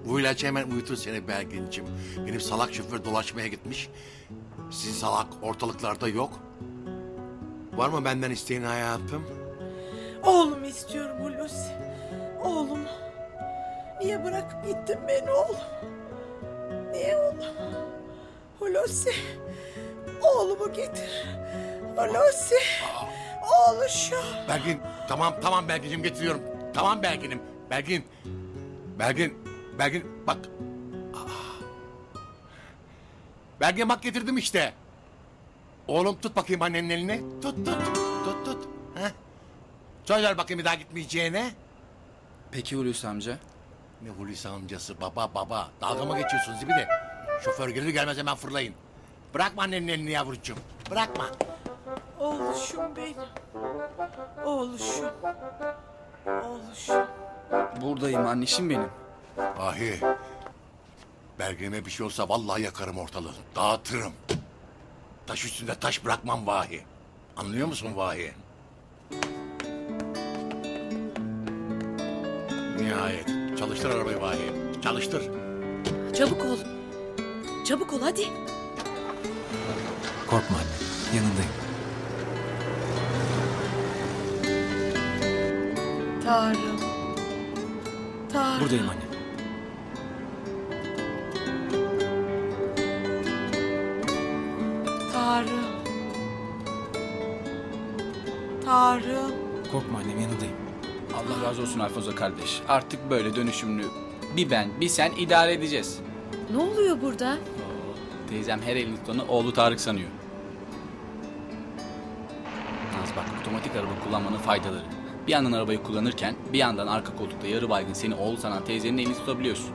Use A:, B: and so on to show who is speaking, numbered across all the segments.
A: Bu ilaç hemen uyutur seni Belgin'cim. Benim salak şoför dolaşmaya gitmiş. Sizin salak ortalıklarda yok. Var mı benden isteğin hayatım?
B: Oğlumu istiyorum Hulusi. Oğlumu. Niye bırakıp gittin beni oğlum? Niye oğlum? Hulusi. Oğlumu getir. Hulusi. Oğluşum.
A: Belgin, tamam Belgin'cim getiriyorum. Tamam Belgin'im. Belgin bak. Belgin bak getirdim işte. Oğlum tut bakayım annenin elini. Tut. Heh. Söz ver bakayım bir daha gitmeyeceğine.
C: Peki Hulusi amca?
A: Ne Hulusi amcası baba. Dalga mı geçiyorsunuz bir de? Şoför gelir gelmez hemen fırlayın. Bırakma annenin elini yavrucuğum. Bırakma.
B: Oğluşum benim. Oğluşum. Oğluşum.
C: Buradayım annişim benim.
A: Vahi. Belgeme bir şey olsa vallahi yakarım ortalığı. Dağıtırım. Taş üstünde taş bırakmam Vahi. Anlıyor musun Vahi? Nihayet. Çalıştır arabayı Vahi. Çalıştır.
D: Çabuk ol. Çabuk ol hadi.
E: Korkma anne, yanındayım.
B: Tanrım. Tanrım.
E: Buradayım anne.
B: Tanrım. Tanrım.
E: Korkma annem, yanındayım.
C: Allah razı olsun Alfoza kardeş. Artık böyle dönüşümlü bir ben bir sen idare edeceğiz.
D: Ne oluyor burada?
C: Teyzem her elini tutanı oğlu Tarık sanıyor. Naz bak, otomatik araba kullanmanın faydaları. Bir yandan arabayı kullanırken bir yandan arka koltukta yarı baygın seni oğlu sanan teyzenin elini tutabiliyorsun.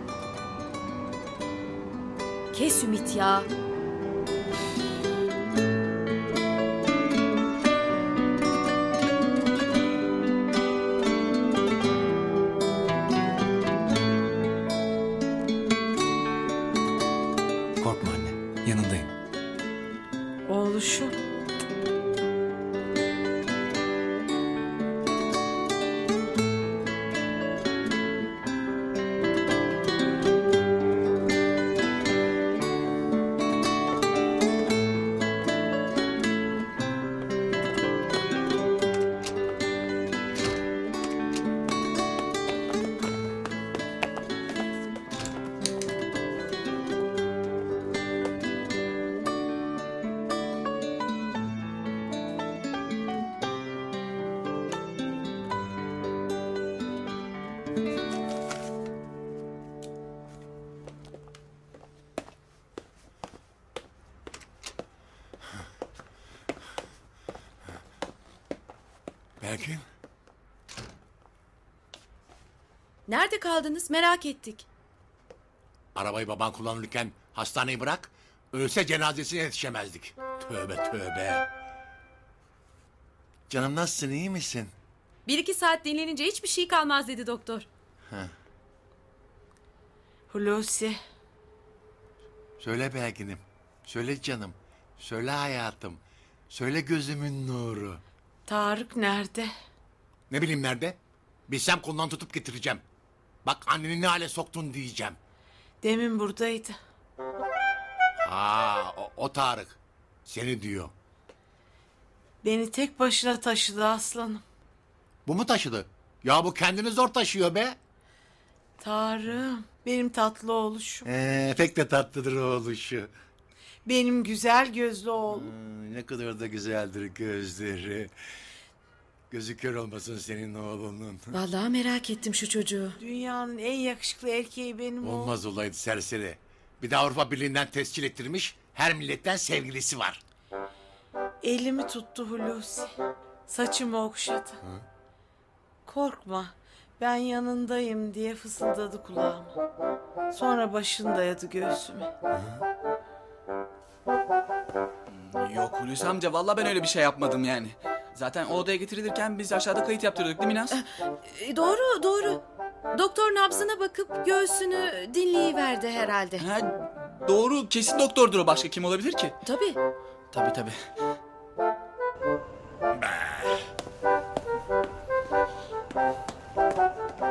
D: Kes Ümit ya.
E: Korkma anne, yanındayım.
B: Oğluşum.
A: Belgin.
D: Nerede kaldınız? Merak ettik.
A: Arabayı baban kullanırken hastaneyi bırak. Ölse cenazesine yetişemezdik. Tövbe. Canım nasılsın, iyi misin?
D: 1-2 saat dinlenince hiçbir şey kalmaz dedi doktor.
B: Hulusi.
A: Söyle Belgin'im. Söyle canım. Söyle hayatım. Söyle gözümün nuru.
B: Tarık nerede?
A: Ne bileyim nerede? Bilsem kolundan tutup getireceğim. Bak anneni ne hale soktun diyeceğim.
B: Demin buradaydı.
A: O Tarık. Seni diyor.
B: Beni tek başına taşıdı aslanım.
A: Bu mu taşıdı? Ya bu kendini zor taşıyor be.
B: Tarım. Benim tatlı oğluşum.
A: Pek de tatlıdır oğluşu.
B: Benim güzel gözlü oğlum.
A: Ne kadar da güzeldir gözleri. Gözü kör olmasın senin oğlunun.
D: Vallahi merak ettim şu çocuğu.
B: Dünyanın en yakışıklı erkeği benim oğlum.
A: Olmaz olaydı serseri. Bir de Avrupa Birliği'nden tescil ettirmiş. Her milletten sevgilisi var.
B: Elimi tuttu Hulusi. Saçımı okşadı. Korkma. Ben yanındayım diye fısıldadı kulağıma. Sonra başını dayadı göğsüme.
C: Yok Hulusi amca, vallahi ben öyle bir şey yapmadım yani. Zaten o odaya getirilirken biz aşağıda kayıt yaptırdık değil mi Naz?
D: Doğru. Doktor nabzına bakıp göğsünü dinleyiverdi herhalde.
C: Ha, doğru, kesin doktordur o, başka kim olabilir ki?
D: Tabii.
C: Tabii.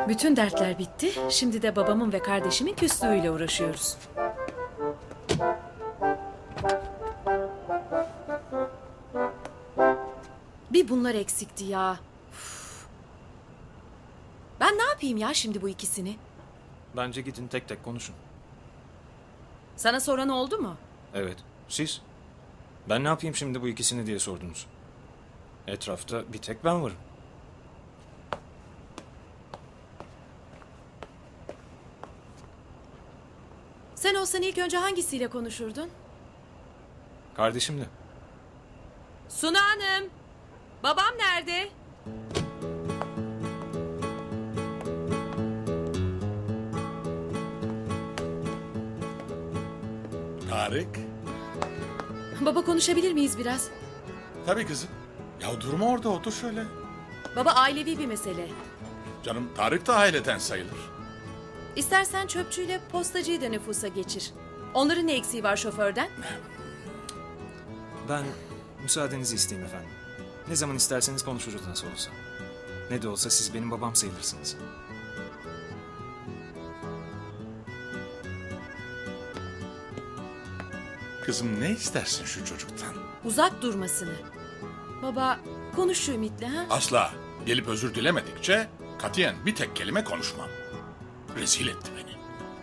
D: Bütün dertler bitti. Şimdi de babamın ve kardeşimin küslüğüyle uğraşıyoruz. Bir bunlar eksikti ya. Üf. Ben ne yapayım ya şimdi bu ikisini?
E: Bence gidin tek tek konuşun.
D: Sana soran oldu mu?
E: Evet. Siz? Ben ne yapayım şimdi bu ikisini diye sordunuz. Etrafta bir tek ben varım.
D: Sen olsan ilk önce hangisiyle konuşurdun?
E: Kardeşimle.
D: Suna Hanım! Babam nerede?
F: Tarık.
D: Baba konuşabilir miyiz biraz?
F: Tabii kızım. Ya durma orada, otur şöyle.
D: Baba ailevi bir mesele.
F: Canım Tarık da aileden sayılır.
D: İstersen çöpçüyle postacıyı da nüfusa geçir. Onların ne eksiği var şoförden?
E: Ben müsaadenizi isteyeyim efendim. Ne zaman isterseniz konuşuruz nasıl olsa. Ne de olsa siz benim babam sayılırsınız.
F: Kızım ne istersin şu çocuktan?
D: Uzak durmasını. Baba konuş şu Ümit'le ha?
F: Asla. Gelip özür dilemedikçe katiyen bir tek kelime konuşmam. Rezil etti beni.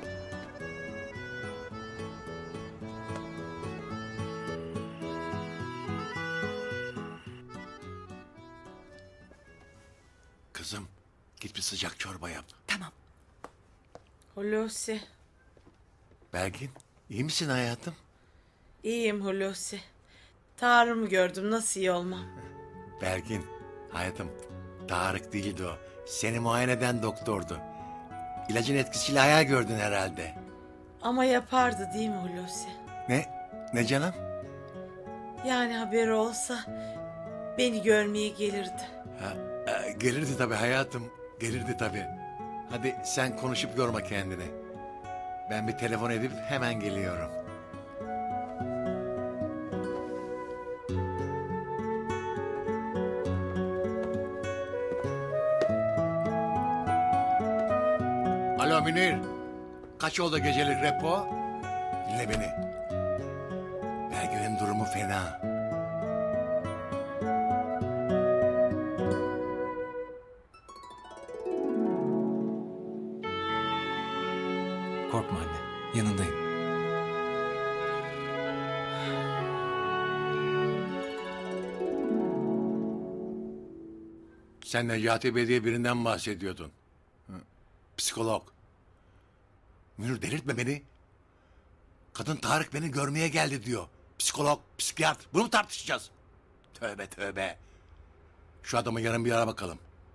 A: Kızım git bir sıcak çorba yap.
D: Tamam.
B: Hulusi.
A: Belgin iyi misin hayatım?
B: İyiyim Hulusi. Tarım'ı gördüm, nasıl iyi olmam.
A: Belgin hayatım Tarık değildi o. Seni muayene eden doktordu. İlacın etkisiyle hayal gördün herhalde.
B: Ama yapardı değil mi Hulusi?
A: Ne? Ne canım?
B: Yani haberi olsa beni görmeye gelirdi.
A: Gelirdi tabii hayatım. Gelirdi tabii. Hadi sen konuşup yorma kendini. Ben bir telefon edip hemen geliyorum. Alo Münir. Kaç oldu gecelik repo? Dinle beni. Belgün'ün durumu fena.
E: Korkma anne. Yanındayım.
A: Sen Necati Bey diye birinden bahsediyordun. Hı. Psikolog. Münir delirtme beni. Kadın Tarık beni görmeye geldi diyor. Psikolog, psikiyatr. Bunu mu tartışacağız? Tövbe tövbe. Şu adamı yarın bir ara bakalım.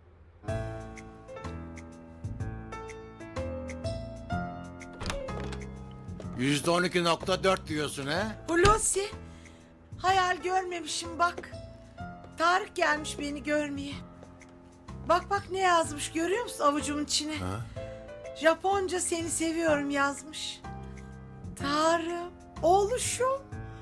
A: %12,4 diyorsun ha?
B: Hulusi. Hayal görmemişim bak. Tarık gelmiş beni görmeye. Bak bak ne yazmış görüyor musun avucumun içine? Japonca seni seviyorum yazmış. Tarım, oğluşum.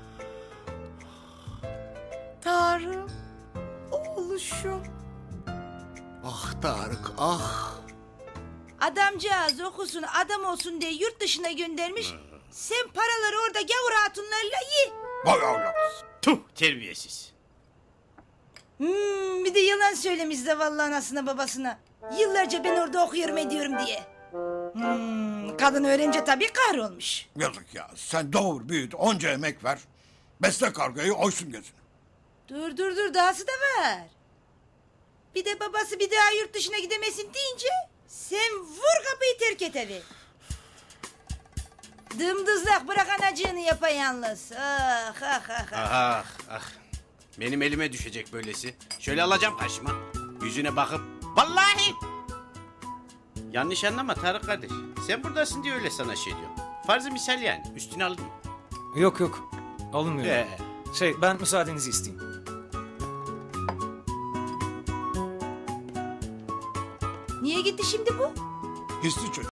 B: Tarım, oğluşum.
A: Ah Tarık, ah.
G: Adamcağız okusun adam olsun diye yurt dışına göndermiş. Sen paraları orada gavur hatunlarıyla ye.
A: Vay Allah.
H: Tuh terbiyesiz.
G: Bir de yalan söylemiş zavallı anasına babasına. Yıllarca ben orada okuyorum ediyorum diye. Kadın öğrenince tabii kahrolmuş.
I: Yazık ya. Sen doğur, büyüt, onca emek ver. Besle kargayı, oysun gözünü.
G: Dur dahası da var. Bir de babası bir daha yurt dışına gidemesin deyince sen vur kapıyı terk et evi. Dımdızlak bırak anacığını yapayalnız. Ah ah ah ah.
H: Ah ah. Benim elime düşecek böylesi. Şöyle alacağım karşıma. Yüzüne bakıp vallahi. Yanlış anlama Tarık kardeş. Sen buradasın diye öyle sana şey diyorum. Farzı misal yani. Üstüne alın.
E: Yok yok. Alınmıyor.
H: Ee.
E: Ben müsaadenizi isteyeyim.
G: Niye gitti şimdi bu?
I: Hisli çocuk.